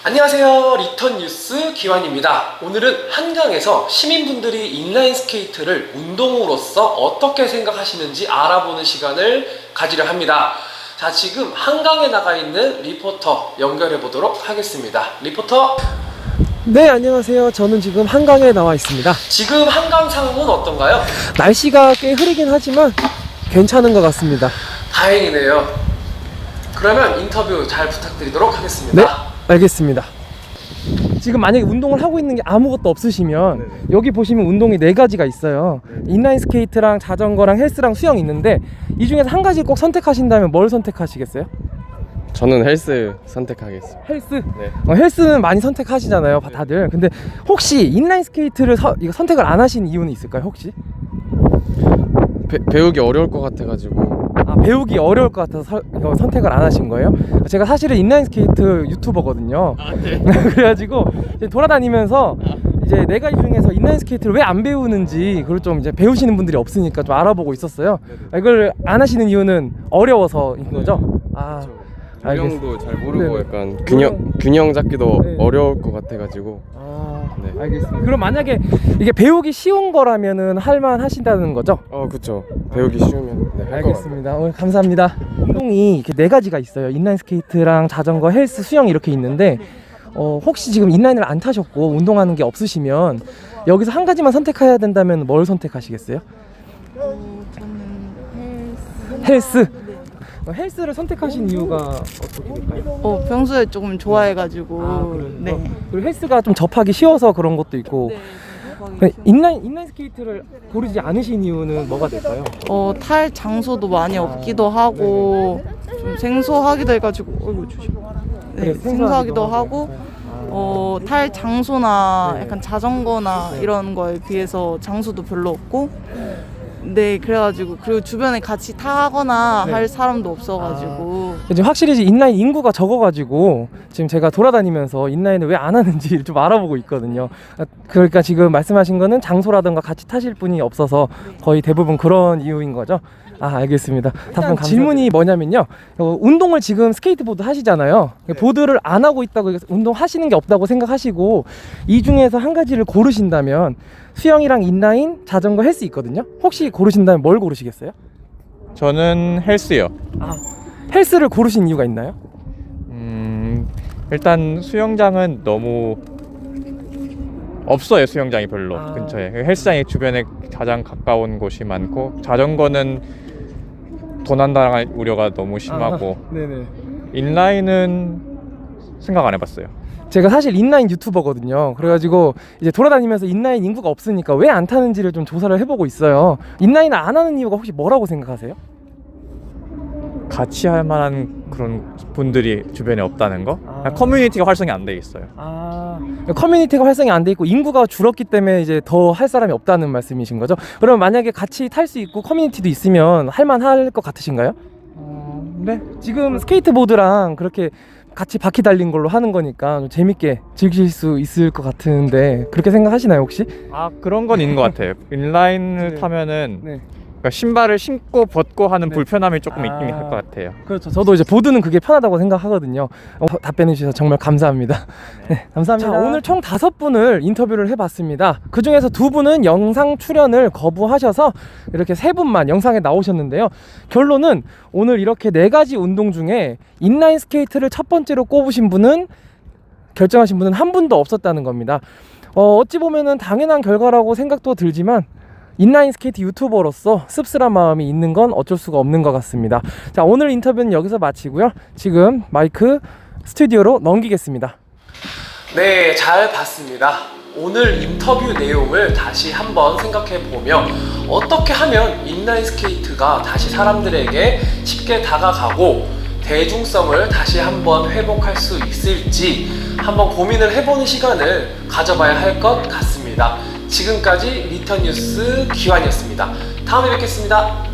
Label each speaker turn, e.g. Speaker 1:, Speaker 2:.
Speaker 1: 안녕하세요. 리턴 뉴스 기환입니다. 오늘은 한강에서 시민분들이 인라인 스케이트를 운동으로서 어떻게 생각하시는지 알아보는 시간을 가지려 합니다. 자, 지금 한강에 나가 있는 리포터 연결해 보도록 하겠습니다. 리포터.
Speaker 2: 네, 안녕하세요. 저는 지금 한강에 나와 있습니다.
Speaker 1: 지금 한강 상황은 어떤가요?
Speaker 2: 날씨가 꽤 흐리긴 하지만 괜찮은 것 같습니다.
Speaker 1: 다행이네요. 그러면 인터뷰 잘 부탁드리도록 하겠습니다.
Speaker 2: 네, 알겠습니다. 지금 만약에 운동을 하고 있는 게 아무것도 없으시면
Speaker 1: 네네.
Speaker 2: 여기 보시면 운동이 4가지가 있어요. 인라인 스케이트랑 자전거랑 헬스랑 수영 있는데 이 중에서 한 가지 꼭 선택하신다면 뭘 선택하시겠어요?
Speaker 3: 저는 헬스 선택하겠습니다.
Speaker 2: 헬스?
Speaker 3: 네.
Speaker 2: 헬스는 많이 선택하시잖아요, 다들. 근데 혹시 인라인 스케이트를 이거 선택을 안 하신 이유는 있을까요, 혹시?
Speaker 3: 배우기 어려울 것 같아가지고.
Speaker 2: 배우기 어려울 것 같아서 이거 선택을 안 하신 거예요? 제가 사실은 인라인 스케이트 유튜버거든요.
Speaker 3: 네.
Speaker 2: 그래가지고 이제 돌아다니면서 이제 4가지 중에서 인라인 스케이트를 왜 안 배우는지 그걸 좀 이제 배우시는 분들이 없으니까 좀 알아보고 있었어요. 이걸 안 하시는 이유는 어려워서인 거죠?
Speaker 3: 균형도 잘 모르고
Speaker 2: 네네.
Speaker 3: 약간 균형 잡기도
Speaker 2: 네.
Speaker 3: 어려울 것 같아가지고.
Speaker 2: 네. 알겠습니다. 그럼 만약에 이게 배우기 쉬운 거라면은 할만 하신다는 거죠?
Speaker 3: 그쵸. 배우기 쉬우면 네, 할 것 같아요.
Speaker 2: 알겠습니다. 오늘 감사합니다. 운동이 이렇게 4가지가 있어요. 인라인 스케이트랑 자전거, 헬스, 수영 이렇게 있는데 혹시 지금 인라인을 안 타셨고 운동하는 게 없으시면 여기서 한 가지만 선택해야 된다면 뭘 선택하시겠어요?
Speaker 4: 저는
Speaker 2: 헬스. 헬스를 선택하신 이유가 어떻게 될까요?
Speaker 4: 평소에 조금 좋아해가지고.
Speaker 2: 그래요?
Speaker 4: 네.
Speaker 2: 그리고 헬스가 좀 접하기 쉬워서 그런 것도 있고.
Speaker 4: 네.
Speaker 2: 인라인 스케이트를 고르지 않으신 이유는 뭐가 될까요?
Speaker 4: 탈 장소도 많이 없기도 하고 좀 생소하기도 해가지고. 조심. 네,
Speaker 2: 그래,
Speaker 4: 생소하기도 하고. 탈 장소나
Speaker 2: 네.
Speaker 4: 약간 자전거나 이런 거에 비해서 장소도 별로 없고. 네, 그래가지고 그리고 주변에 같이 타거나
Speaker 2: 네.
Speaker 4: 할 사람도 없어가지고.
Speaker 2: 이제 확실히 이제 인라인 인구가 적어가지고 지금 제가 돌아다니면서 인라인을 왜 안 하는지 좀 알아보고 있거든요. 그러니까 지금 말씀하신 거는 장소라든가 같이 타실 분이 없어서 거의 대부분 그런 이유인 거죠. 알겠습니다. 답변 질문이 뭐냐면요. 운동을 지금 스케이트보드 하시잖아요. 보드를 안 하고 있다고 운동하시는 게 없다고 생각하시고 이 중에서 한 가지를 고르신다면 수영이랑 인라인, 자전거, 헬스 있거든요. 혹시 고르신다면 뭘 고르시겠어요?
Speaker 5: 저는 헬스요.
Speaker 2: 헬스를 고르신 이유가 있나요?
Speaker 5: 일단 수영장은 너무 없어요. 수영장이 별로 근처에. 헬스장이 주변에 가장 가까운 곳이 많고, 자전거는 도난당할 우려가 너무 심하고,
Speaker 2: 네네.
Speaker 5: 인라인은 생각 안 해봤어요.
Speaker 2: 제가 사실 인라인 유튜버거든요. 그래가지고 이제 돌아다니면서 인라인 인구가 없으니까 왜 안 타는지를 좀 조사를 해보고 있어요. 인라인을 안 하는 이유가 혹시 뭐라고 생각하세요?
Speaker 5: 같이 할 만한 그런 분들이 주변에 없다는 거? 커뮤니티가 활성이 안 돼 있어요.
Speaker 2: 커뮤니티가 활성이 안 돼 있고 인구가 줄었기 때문에 이제 더 할 사람이 없다는 말씀이신 거죠? 그럼 만약에 같이 탈 수 있고 커뮤니티도 있으면 할만할 것 같으신가요?
Speaker 5: 네.
Speaker 2: 지금 스케이트보드랑 그렇게 같이 바퀴 달린 걸로 하는 거니까 좀 재밌게 즐길 수 있을 것 같은데 그렇게 생각하시나요 혹시?
Speaker 5: 그런 건 있는 것 같아요. 인라인을
Speaker 2: 네.
Speaker 5: 타면은
Speaker 2: 네.
Speaker 5: 그러니까 신발을 신고 벗고 하는
Speaker 2: 네.
Speaker 5: 불편함이 조금 있긴 할 것 같아요.
Speaker 2: 그렇죠. 저도 이제 보드는 그게 편하다고 생각하거든요. 답변해 주셔서 정말 감사합니다. 네, 감사합니다. 자, 오늘 총 5분을 인터뷰를 해봤습니다. 그 중에서 2분은 영상 출연을 거부하셔서 이렇게 3분만 영상에 나오셨는데요. 결론은 오늘 이렇게 4가지 운동 중에 인라인 스케이트를 첫 번째로 꼽으신 분은, 결정하신 분은 한 분도 없었다는 겁니다. 어찌 보면은 당연한 결과라고 생각도 들지만 인라인 스케이트 유튜버로서 씁쓸한 마음이 있는 건 어쩔 수가 없는 것 같습니다. 자, 오늘 인터뷰는 여기서 마치고요. 지금 마이크 스튜디오로 넘기겠습니다.
Speaker 1: 네, 잘 봤습니다. 오늘 인터뷰 내용을 다시 한번 생각해 보며 어떻게 하면 인라인 스케이트가 다시 사람들에게 쉽게 다가가고 대중성을 다시 한번 회복할 수 있을지 한번 고민을 해보는 시간을 가져봐야 할 것 같습니다. 지금까지 리턴 뉴스 기환이었습니다. 다음에 뵙겠습니다.